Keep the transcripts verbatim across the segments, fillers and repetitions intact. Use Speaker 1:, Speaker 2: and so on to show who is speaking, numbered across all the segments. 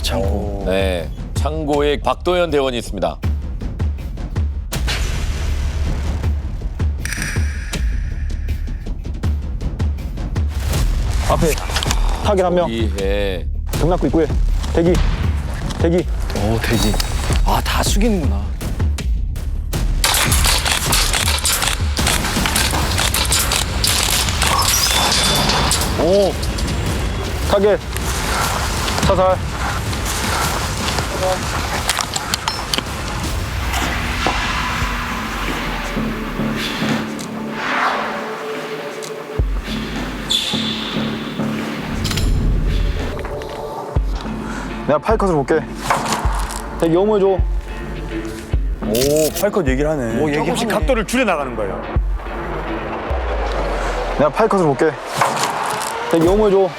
Speaker 1: 창고.
Speaker 2: 네, 창고에 박도현 대원이 있습니다.
Speaker 3: 앞에 타겟 한 명.
Speaker 2: 이해.
Speaker 3: 경락구 입구에 대기. 대기.
Speaker 1: 오, 대기. 아, 다 숙이는구나.
Speaker 3: 오. 타겟. 사살. 내가 파이컷으로 볼게. 대기 어머해줘.
Speaker 4: 오, 팔컷 얘기를 하네.
Speaker 1: 오, 얘기하네.
Speaker 4: 조금씩 각도를 줄여 나가는 거예요.
Speaker 3: 내가 파이컷으로 볼게. 대기 어머해줘.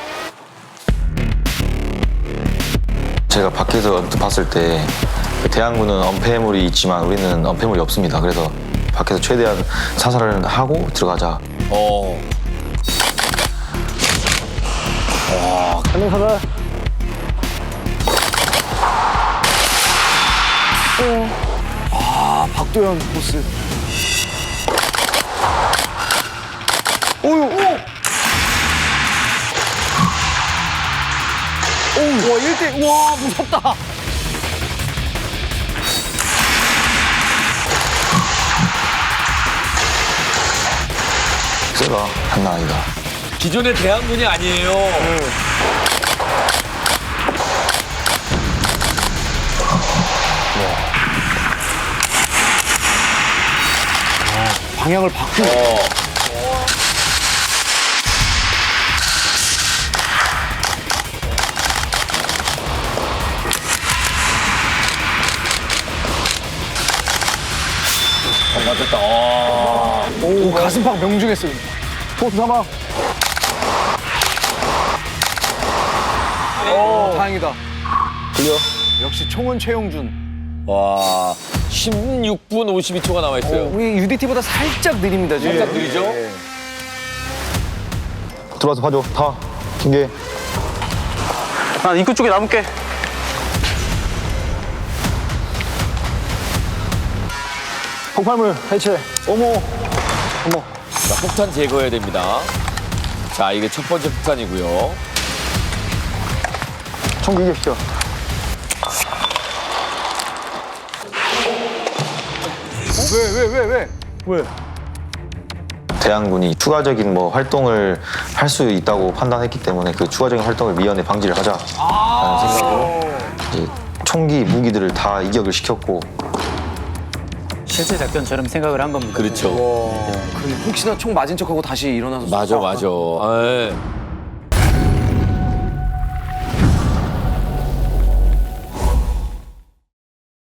Speaker 5: 제가 밖에서 언뜻 봤을 때 그 대항군은 엄폐물이 있지만 우리는 엄폐물이 없습니다. 그래서 밖에서 최대한 사살을 하고 들어가자.
Speaker 2: 어.
Speaker 3: 한 명 사살.
Speaker 1: 아, 박도현 보스. 오유, 오! 오, 와, 일 대, 와, 무섭다.
Speaker 5: 쎄가 장난 아니다.
Speaker 2: 기존의 대항군이 아니에요.
Speaker 1: 방향을 바꾸고.
Speaker 2: 어. 어, 맞았다. 어.
Speaker 1: 오, 가슴팍 명중했어요.
Speaker 3: 포스 삼아.
Speaker 1: 오, 다행이다.
Speaker 3: 클리어.
Speaker 1: 역시 총은 최용준.
Speaker 2: 와, 십육 분 오십이 초가 남아 있어요.
Speaker 1: 우리 유디티보다 살짝 느립니다, 지금.
Speaker 2: 살짝 느리죠?
Speaker 1: 예.
Speaker 3: 들어와서 봐줘. 다. 중계.
Speaker 4: 난 입구 쪽에 남을게.
Speaker 3: 폭발물 해체. 어머. 어머.
Speaker 2: 자, 폭탄 제거해야 됩니다. 자, 이게 첫 번째 폭탄이고요.
Speaker 3: 총 이기시켜.
Speaker 1: 왜, 왜, 왜, 왜?
Speaker 3: 왜?
Speaker 5: 대항군이 추가적인 뭐 활동을 할 수 있다고 판단했기 때문에 그 추가적인 활동을 미연에 방지를 하자라는 생각으로 이제 총기, 무기들을 다 이격을 시켰고
Speaker 6: 실제 작전처럼 생각을 한 겁니다.
Speaker 2: 그렇죠.
Speaker 1: 그럼 혹시나 총 맞은 척하고 다시 일어나서.
Speaker 2: 맞아, 맞아. 아, 예.